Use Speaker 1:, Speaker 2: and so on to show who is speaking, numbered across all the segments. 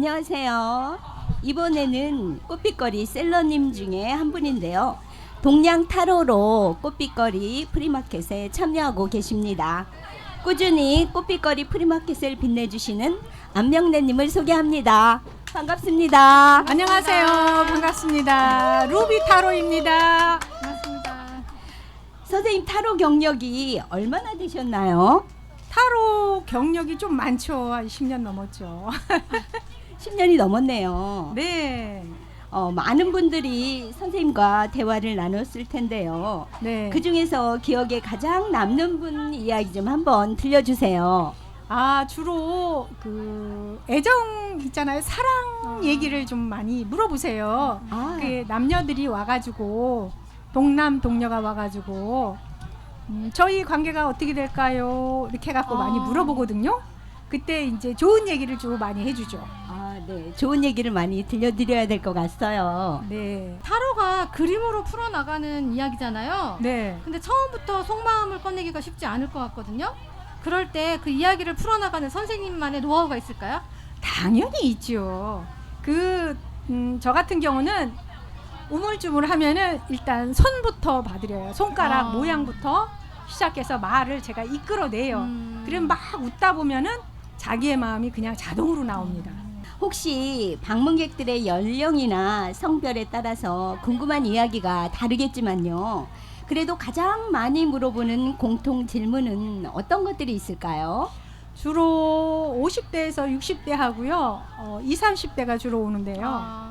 Speaker 1: 안녕하세요. 이번에는 꽃빛거리 셀러님 중에 한 분인데요. 동양 타로로 꽃빛거리 프리마켓에 참여하고 계십니다. 꾸준히 꽃빛거리 프리마켓을 빛내주시는 안명래님을 소개합니다. 반갑습니다.
Speaker 2: 안녕하세요. 반갑습니다. 루비 타로입니다. 반갑습니다.
Speaker 1: 선생님 타로 경력이 얼마나 되셨나요?
Speaker 2: 타로 경력이 좀 많죠. 한 10년 넘었죠.
Speaker 1: 10년이 넘었네요.
Speaker 2: 네.
Speaker 1: 많은 분들이 선생님과 대화를 나눴을 텐데요.
Speaker 2: 네.
Speaker 1: 그 중에서 기억에 가장 남는 분 이야기 좀 한번 들려주세요.
Speaker 2: 주로 그 애정 있잖아요. 사랑 얘기를 좀 많이 물어보세요. 그 남녀들이 와가지고 동남 동녀가 와가지고 저희 관계가 어떻게 될까요? 이렇게 해갖고 많이 물어보거든요. 그때 이제 좋은 얘기를 좀 많이 해주죠.
Speaker 1: 네. 좋은 얘기를 많이 들려드려야 될 것 같아요.
Speaker 2: 네.
Speaker 3: 타로가 그림으로 풀어나가는 이야기잖아요.
Speaker 2: 네.
Speaker 3: 근데 처음부터 속마음을 꺼내기가 쉽지 않을 것 같거든요. 그럴 때 그 이야기를 풀어나가는 선생님만의 노하우가 있을까요?
Speaker 2: 당연히 있죠. 저 같은 경우는 우물쭈물 하면은 일단 손부터 봐드려요. 손가락 모양부터 시작해서 말을 제가 이끌어내요. 그럼 막 웃다 보면은 자기의 마음이 그냥 자동으로 나옵니다.
Speaker 1: 혹시 방문객들의 연령이나 성별에 따라서 궁금한 이야기가 다르겠지만요. 그래도 가장 많이 물어보는 공통 질문은 어떤 것들이 있을까요?
Speaker 2: 주로 50대에서 60대 하고요. 20, 30대가 주로 오는데요.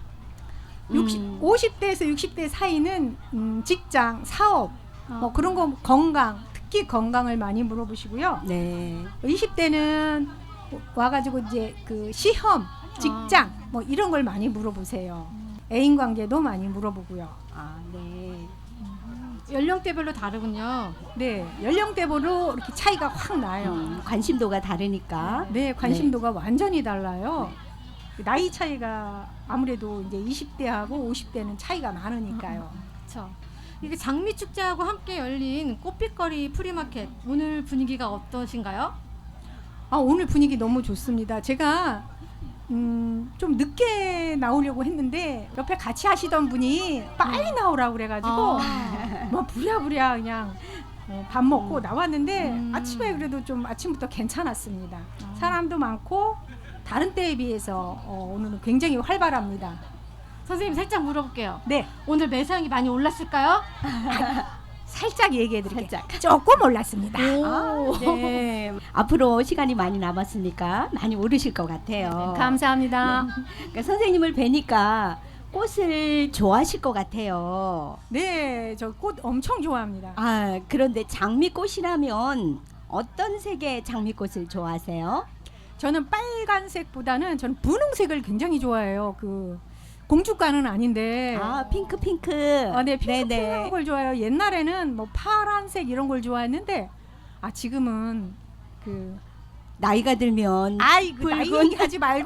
Speaker 2: 50대에서 60대 사이는 직장, 사업, 뭐 그런 거 건강, 특히 건강을 많이 물어보시고요.
Speaker 1: 네.
Speaker 2: 20대는 와가지고 이제 그 시험, 직장 뭐 이런 걸 많이 물어보세요. 애인 관계도 많이 물어보고요.
Speaker 1: 네.
Speaker 3: 연령대별로 다르군요.
Speaker 2: 네, 연령대별로 이렇게 차이가 확 나요.
Speaker 1: 관심도가 다르니까.
Speaker 2: 네, 관심도가 완전히 달라요. 나이 차이가 아무래도 이제 20대하고 50대는 차이가 많으니까요.
Speaker 3: 그렇죠. 이게 장미 축제하고 함께 열린 꽃빛거리 프리마켓 오늘 분위기가 어떠신가요?
Speaker 2: 오늘 분위기 너무 좋습니다. 제가 좀 늦게 나오려고 했는데 옆에 같이 하시던 분이 빨리 나오라고 그래가지고 뭐 부랴부랴 그냥 밥 먹고 나왔는데 아침에 그래도 좀 아침부터 괜찮았습니다. 사람도 많고 다른 때에 비해서 오늘은 굉장히 활발합니다.
Speaker 3: 선생님 살짝 물어볼게요.
Speaker 2: 네,
Speaker 3: 오늘 매상이 많이 올랐을까요?
Speaker 2: 살짝 얘기해드릴게요. 조금 올랐습니다.
Speaker 1: 네. 앞으로 시간이 많이 남았으니까 많이 오르실 것 같아요.
Speaker 2: 감사합니다.
Speaker 1: 그러니까 선생님을 뵈니까 꽃을 좋아하실 것 같아요.
Speaker 2: 네, 저 꽃 엄청 좋아합니다.
Speaker 1: 그런데 장미꽃이라면 어떤 색의 장미꽃을 좋아하세요?
Speaker 2: 저는 빨간색보다는 저는 분홍색을 굉장히 좋아해요. 그 공주과는 아닌데.
Speaker 1: 핑크.
Speaker 2: 네, 핑크색인 걸 좋아해요. 옛날에는 뭐 파란색 이런 걸 좋아했는데 지금은 그
Speaker 1: 나이가 들면
Speaker 2: 나이
Speaker 1: 붉은
Speaker 2: 얘기하지 말고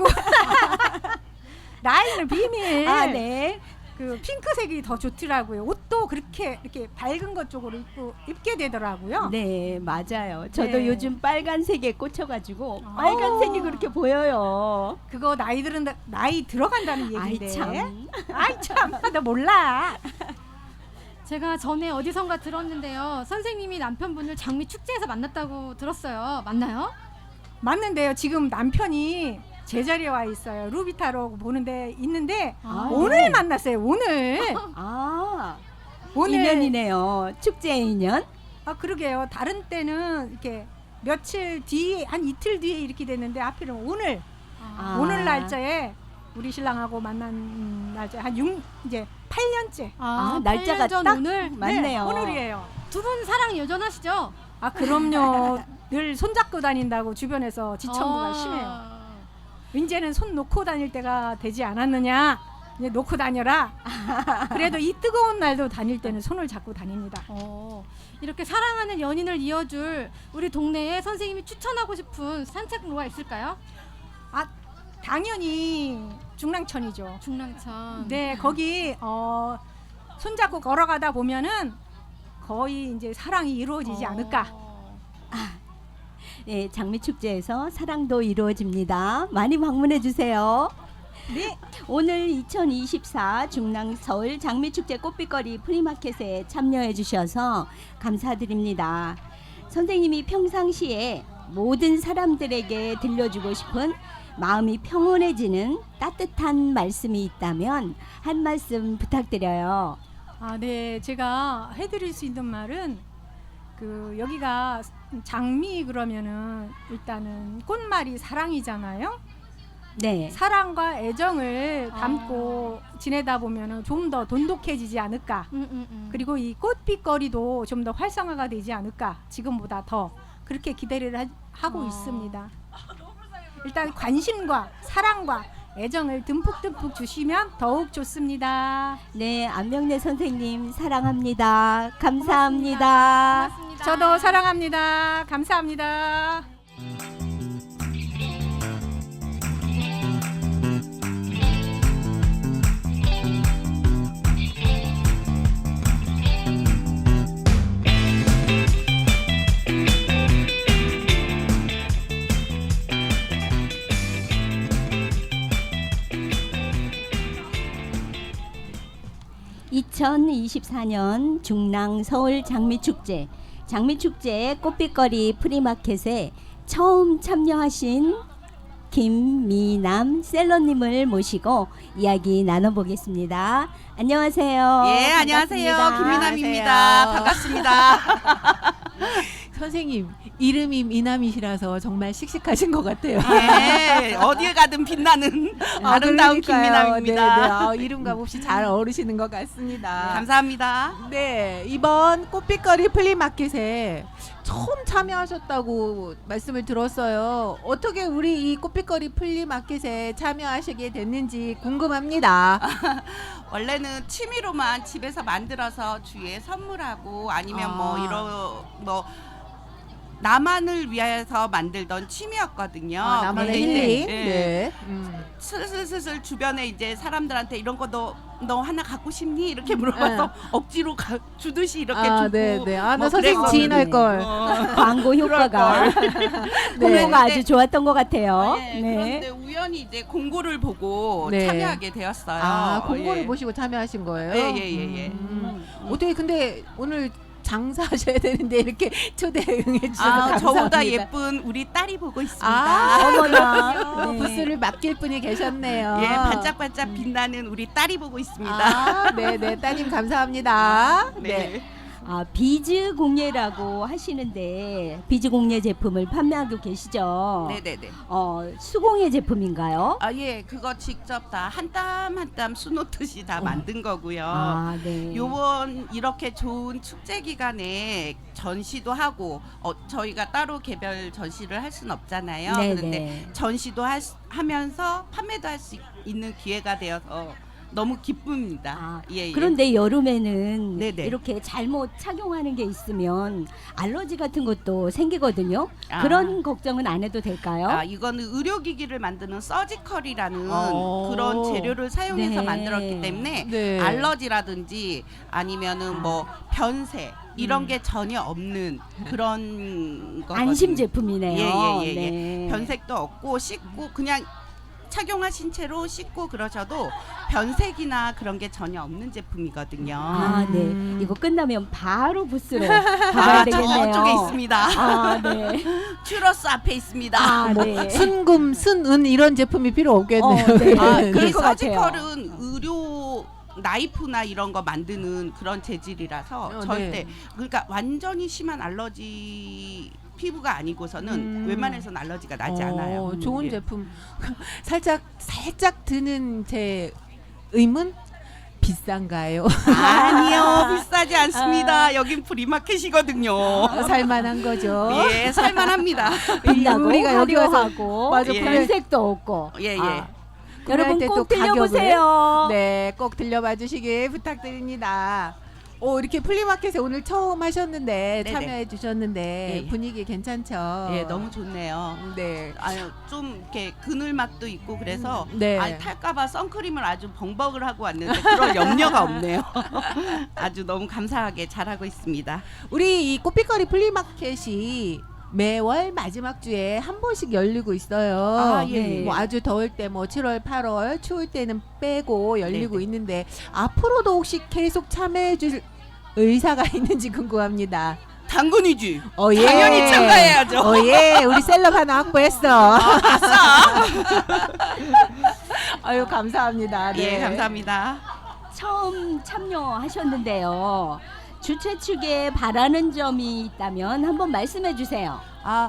Speaker 2: 나이는 비밀.
Speaker 1: 네.
Speaker 2: 그 핑크색이 더 좋더라고요. 옷도 그렇게 이렇게 밝은 것 쪽으로 입게 되더라고요.
Speaker 1: 네, 맞아요. 저도
Speaker 2: 네.
Speaker 1: 요즘 빨간색에 꽂혀가지고 빨간색이 그렇게 보여요.
Speaker 2: 그거 나이 들어간다는 얘기인데.
Speaker 1: 아이 참.
Speaker 2: 나 몰라.
Speaker 3: 제가 전에 어디선가 들었는데요. 선생님이 남편분을 장미 축제에서 만났다고 들었어요. 맞나요?
Speaker 2: 맞는데요. 지금 남편이 제자리에 와 있어요. 루비타로 보는데 있는데 오늘
Speaker 1: 네.
Speaker 2: 만났어요. 오늘. 오늘
Speaker 1: 인연이네요. 축제의 인연.
Speaker 2: 그러게요. 다른 때는 이렇게 며칠 뒤에 한 이틀 뒤에 이렇게 됐는데 하필은 오늘 오늘 날짜에 우리 신랑하고 만난 날짜 이제 8년째.
Speaker 1: 날짜가
Speaker 3: 8년 전
Speaker 1: 딱
Speaker 3: 오늘
Speaker 1: 맞네요.
Speaker 2: 네, 오늘이에요.
Speaker 3: 두 분 사랑 여전하시죠?
Speaker 2: 그럼요. 늘 손잡고 다닌다고 주변에서 지청구가 심해요. 이제는 손 놓고 다닐 때가 되지 않았느냐. 이제 놓고 다녀라. 그래도 이 뜨거운 날도 다닐 때는 손을 잡고 다닙니다.
Speaker 3: 이렇게 사랑하는 연인을 이어줄 우리 동네에 선생님이 추천하고 싶은 산책로가 있을까요?
Speaker 2: 당연히 중랑천이죠.
Speaker 3: 중랑천.
Speaker 2: 네, 거기 손잡고 걸어가다 보면은 거의 이제 사랑이 이루어지지 않을까.
Speaker 1: 네, 장미축제에서 사랑도 이루어집니다. 많이 방문해 주세요.
Speaker 2: 네.
Speaker 1: 오늘 2024 중랑 서울 장미축제 꽃빛거리 프리마켓에 참여해 주셔서 감사드립니다. 선생님이 평상시에 모든 사람들에게 들려주고 싶은 마음이 평온해지는 따뜻한 말씀이 있다면 한 말씀 부탁드려요.
Speaker 2: 네. 제가 해드릴 수 있는 말은 여기가 장미 그러면은 일단은 꽃말이 사랑이잖아요.
Speaker 1: 네.
Speaker 2: 사랑과 애정을 담고 지내다 보면은 좀 더 돈독해지지 않을까. 그리고 이 꽃빛거리도 좀 더 활성화가 되지 않을까. 지금보다 더 그렇게 기대를 하고 있습니다. 일단 관심과 사랑과 애정을 듬뿍듬뿍 주시면 더욱 좋습니다.
Speaker 1: 네, 안명래 선생님 사랑합니다. 감사합니다.
Speaker 3: 고맙습니다.
Speaker 2: 저도 사랑합니다. 감사합니다.
Speaker 1: (2024년) 중랑 서울 장미축제 꽃빛거리 프리마켓에 처음 참여하신 김미남 셀러님을 모시고 이야기 나눠보겠습니다. 안녕하세요.
Speaker 4: 예, 안녕하세요.
Speaker 1: 반갑습니다.
Speaker 4: 김미남입니다. 반갑습니다.
Speaker 5: 선생님 이름이 미남이시라서 정말 씩씩하신 것 같아요.
Speaker 4: 예, 어디에 가든 빛나는 아름다운 김미남입니다.
Speaker 5: 네. 이름과 몹시 잘 어우르시는 것 같습니다.
Speaker 4: 감사합니다.
Speaker 5: 네, 이번 꽃빛거리 플리마켓에 처음 참여하셨다고 말씀을 들었어요. 어떻게 우리 이 꽃빛거리 플리마켓에 참여하시게 됐는지 궁금합니다.
Speaker 4: 원래는 취미로만 집에서 만들어서 주위에 선물하고 아니면 나만을 위해서 만들던 취미였거든요.
Speaker 5: 나만의
Speaker 4: 근데 이제,
Speaker 5: 힐링.
Speaker 4: 예,
Speaker 5: 네.
Speaker 4: 슬슬 주변에 이제 사람들한테 이런 거 너 하나 갖고 싶니? 이렇게 물어봐서 억지로 주듯이 이렇게 주고.
Speaker 5: 네. 나
Speaker 4: 뭐
Speaker 5: 선생님
Speaker 4: 그랬었는데.
Speaker 5: 지인할 걸.
Speaker 1: 광고 효과가 홍보가 아주 좋았던 것 같아요.
Speaker 4: 네.
Speaker 1: 네.
Speaker 4: 그런데 우연히 이제 공고를 보고
Speaker 5: 네.
Speaker 4: 참여하게 되었어요.
Speaker 5: 공고를
Speaker 4: 예.
Speaker 5: 보시고 참여하신 거예요?
Speaker 4: 예.
Speaker 5: 어떻게 근데 오늘 장사하셔야 되는데 이렇게 초대 응해주셔서 감사합니다.
Speaker 4: 저보다 예쁜 우리 딸이 보고 있습니다.
Speaker 1: 어머나. 네.
Speaker 5: 부스를 맡길 분이 계셨네요.
Speaker 4: 예, 반짝반짝 빛나는 우리 딸이 보고 있습니다.
Speaker 5: 네네, 따님 감사합니다.
Speaker 4: 네.
Speaker 1: 비즈 공예라고 하시는데 비즈 공예 제품을 판매하고 계시죠?
Speaker 4: 네네네.
Speaker 1: 수공예 제품인가요?
Speaker 4: 예, 그거 직접 다 한 땀 한 땀 수놓듯이 다 만든 거고요.
Speaker 1: 네.
Speaker 4: 요번 이렇게 좋은 축제 기간에 전시도 하고 저희가 따로 개별 전시를 할 수는 없잖아요.
Speaker 1: 네네.
Speaker 4: 그런데 전시도 하면서 판매도 할 수 있는 기회가 되어서 너무 기쁩니다. 예.
Speaker 1: 그런데 여름에는
Speaker 4: 네네.
Speaker 1: 이렇게 잘못 착용하는 게 있으면 알러지 같은 것도 생기거든요.
Speaker 4: 아.
Speaker 1: 그런 걱정은 안 해도 될까요?
Speaker 4: 이거는 의료기기를 만드는 서지컬이라는
Speaker 5: 오.
Speaker 4: 그런 재료를 사용해서
Speaker 1: 네.
Speaker 4: 만들었기 때문에
Speaker 5: 네.
Speaker 4: 알러지라든지 아니면은 뭐 변색 이런 게 전혀 없는 그런 거거든요.
Speaker 1: 안심 제품이네요.
Speaker 4: 예.
Speaker 1: 네.
Speaker 4: 변색도 없고 씻고 그냥 착용하신 채로 씻고 그러셔도 변색이나 그런 게 전혀 없는 제품이거든요.
Speaker 1: 네. 이거 끝나면 바로 부스로 가봐야 되겠네요.
Speaker 4: 저쪽에 있습니다.
Speaker 1: 네.
Speaker 4: 츄러스 앞에 있습니다.
Speaker 1: 네.
Speaker 5: 순금, 순은 이런 제품이 필요 없겠네요.
Speaker 1: 네. 그럴
Speaker 4: 이
Speaker 1: 것 같아요.
Speaker 4: 서지컬은 의료 나이프나 이런 거 만드는 그런 재질이라서 절대
Speaker 5: 네.
Speaker 4: 그러니까 완전히 심한 알러지 피부가 아니고서는 웬만해서는 알러지가 나지 않아요.
Speaker 5: 좋은
Speaker 4: 예.
Speaker 5: 제품. 살짝 드는 제 의문? 비싼가요?
Speaker 4: 아니요, 비싸지 않습니다. 여긴 프리마켓이거든요.
Speaker 5: 살만한 거죠.
Speaker 4: 예, 살만합니다.
Speaker 1: 빛나고
Speaker 5: 우리가 여기 와서
Speaker 1: 화려하고
Speaker 5: 맞아,
Speaker 4: 예.
Speaker 1: 변색도 없고.
Speaker 4: 예.
Speaker 1: 여러분
Speaker 5: 때
Speaker 1: 꼭
Speaker 5: 또
Speaker 1: 들려보세요.
Speaker 5: 네, 꼭 들려봐 주시길 부탁드립니다. 이렇게 플리마켓에 오늘 처음 하셨는데
Speaker 4: 네네.
Speaker 5: 참여해 주셨는데
Speaker 4: 예.
Speaker 5: 분위기 괜찮죠?
Speaker 4: 예, 너무 좋네요.
Speaker 5: 네.
Speaker 4: 좀 이렇게 그늘막도 있고 그래서
Speaker 5: 네.
Speaker 4: 탈까봐 선크림을 아주 벙벅을 하고 왔는데 그럴 염려가 없네요. 아주 너무 감사하게 잘하고 있습니다.
Speaker 5: 우리 이 꽃빛거리 플리마켓이 매월 마지막 주에 한 번씩 열리고 있어요.
Speaker 4: 아, 예, 예.
Speaker 5: 뭐 아주 더울 때 뭐 7월, 8월, 추울 때는 빼고 열리고
Speaker 4: 네네.
Speaker 5: 있는데 앞으로도 혹시 계속 참여해 줄 의사가 있는지 궁금합니다.
Speaker 4: 당근이지.
Speaker 5: 예.
Speaker 4: 당연히 참가해야죠.
Speaker 5: 예. 우리 셀럽 하나 확보했어. 아유, 감사합니다. 네.
Speaker 4: 예, 감사합니다.
Speaker 1: 처음 참여하셨는데요. 주최 측에 바라는 점이 있다면 한번 말씀해 주세요.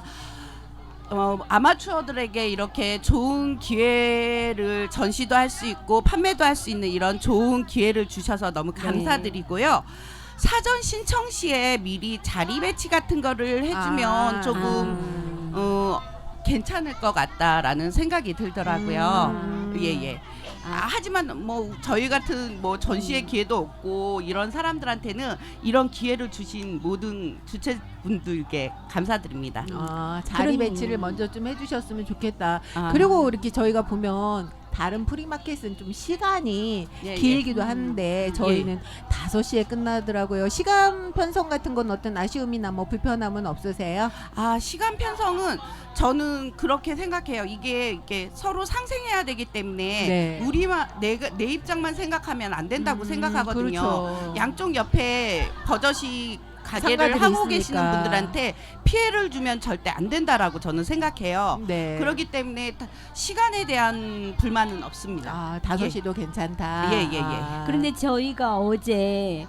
Speaker 4: 아마추어들에게 이렇게 좋은 기회를 전시도 할 수 있고 판매도 할 수 있는 이런 좋은 기회를 주셔서 너무 감사드리고요. 사전 신청 시에 미리 자리 배치 같은 거를 해주면 조금 괜찮을 것 같다라는 생각이 들더라고요. 예예. 하지만 뭐 저희 같은 뭐 전시의 기회도 없고 이런 사람들한테는 이런 기회를 주신 모든 주최분들께 감사드립니다.
Speaker 5: 자리
Speaker 1: 그럼-
Speaker 5: 배치를 먼저 좀 해주셨으면 좋겠다.
Speaker 4: 아.
Speaker 5: 그리고 이렇게 저희가 보면 다른 프리마켓은 좀 시간이
Speaker 4: 예,
Speaker 5: 길기도 한데 저희는 5시에 끝나더라고요. 시간 편성 같은 건 어떤 아쉬움이나 뭐 불편함은 없으세요?
Speaker 4: 시간 편성은 저는 그렇게 생각해요. 이게 서로 상생해야 되기 때문에
Speaker 5: 네.
Speaker 4: 내 입장만 생각하면 안 된다고 생각하거든요.
Speaker 5: 그렇죠.
Speaker 4: 양쪽 옆에 버젓이 가게를
Speaker 5: 상가들이
Speaker 4: 하고
Speaker 5: 있으니까.
Speaker 4: 계시는 분들한테 피해를 주면 절대 안 된다라고 저는 생각해요.
Speaker 5: 네.
Speaker 4: 그렇기 때문에 시간에 대한 불만은 없습니다.
Speaker 5: 5시도 괜찮다.
Speaker 4: 예, 예, 예.
Speaker 1: 그런데 저희가 어제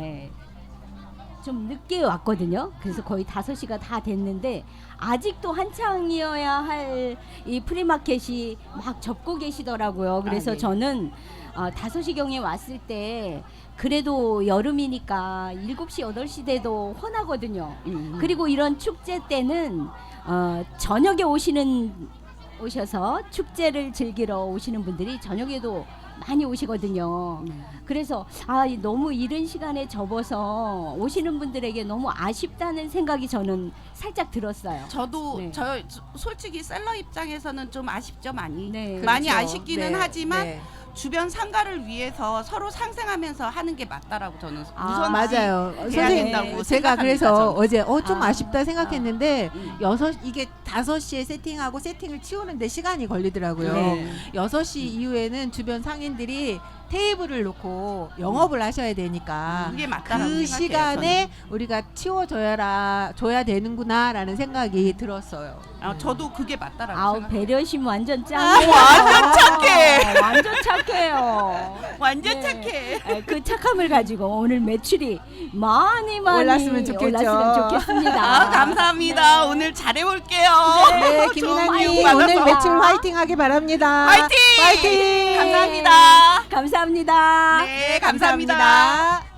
Speaker 1: 좀 늦게 왔거든요. 그래서 거의 5시가 다 됐는데 아직도 한창이어야 할 이 프리마켓이 막 접고 계시더라고요. 그래서
Speaker 4: 예.
Speaker 1: 저는 5시경에 왔을 때 그래도 여름이니까 7시, 8시 돼도 훤하거든요. 그리고 이런 축제 때는 저녁에 오셔서 축제를 즐기러 오시는 분들이 저녁에도 많이 오시거든요. 그래서 너무 이른 시간에 접어서 오시는 분들에게 너무 아쉽다는 생각이 저는 살짝 들었어요.
Speaker 4: 저도
Speaker 1: 네.
Speaker 4: 솔직히 셀러 입장에서는 좀 아쉽죠 많이.
Speaker 1: 네.
Speaker 4: 많이
Speaker 5: 그렇죠.
Speaker 4: 아쉽기는
Speaker 5: 네,
Speaker 4: 하지만
Speaker 5: 네.
Speaker 4: 주변 상가를 위해서 서로 상생하면서 하는 게 맞다라고 저는 우선
Speaker 5: 맞아요.
Speaker 4: 해야
Speaker 5: 선생님,
Speaker 4: 된다고
Speaker 5: 제가
Speaker 4: 생각합니다,
Speaker 5: 그래서
Speaker 4: 저는.
Speaker 5: 어제 좀
Speaker 1: 아.
Speaker 5: 아쉽다 생각했는데
Speaker 4: 음.
Speaker 5: 이게 5시에 세팅하고 세팅을 치우는데 시간이 걸리더라고요.
Speaker 1: 네.
Speaker 5: 6시 이후에는 주변 상인들이 테이블을 놓고 영업을 하셔야 되니까
Speaker 4: 그게 맞다라고
Speaker 5: 그
Speaker 4: 생각해요.
Speaker 5: 시간에 우리가 줘야 되는구나라는 생각이 들었어요.
Speaker 4: 저도 그게 맞다라고
Speaker 1: 아우
Speaker 4: 생각해요.
Speaker 1: 배려심 완전 짱이에요.
Speaker 4: 완전 착해.
Speaker 1: 완전 착해요.
Speaker 4: 완전
Speaker 1: 네.
Speaker 4: 착해.
Speaker 1: 그 착함을 가지고 오늘 매출이 많이
Speaker 5: 올랐으면 좋겠죠.
Speaker 1: 올랐으면 좋겠습니다.
Speaker 4: 감사합니다. 오늘 잘해볼게요.
Speaker 5: 네,
Speaker 4: 좋은
Speaker 5: 김인아님
Speaker 4: 교육 받아서.
Speaker 5: 오늘 매출 화이팅하게 바랍니다.
Speaker 4: 화이팅!
Speaker 5: 화이팅!
Speaker 4: 감사합니다.
Speaker 1: 감사합니다.
Speaker 4: 네, 감사합니다.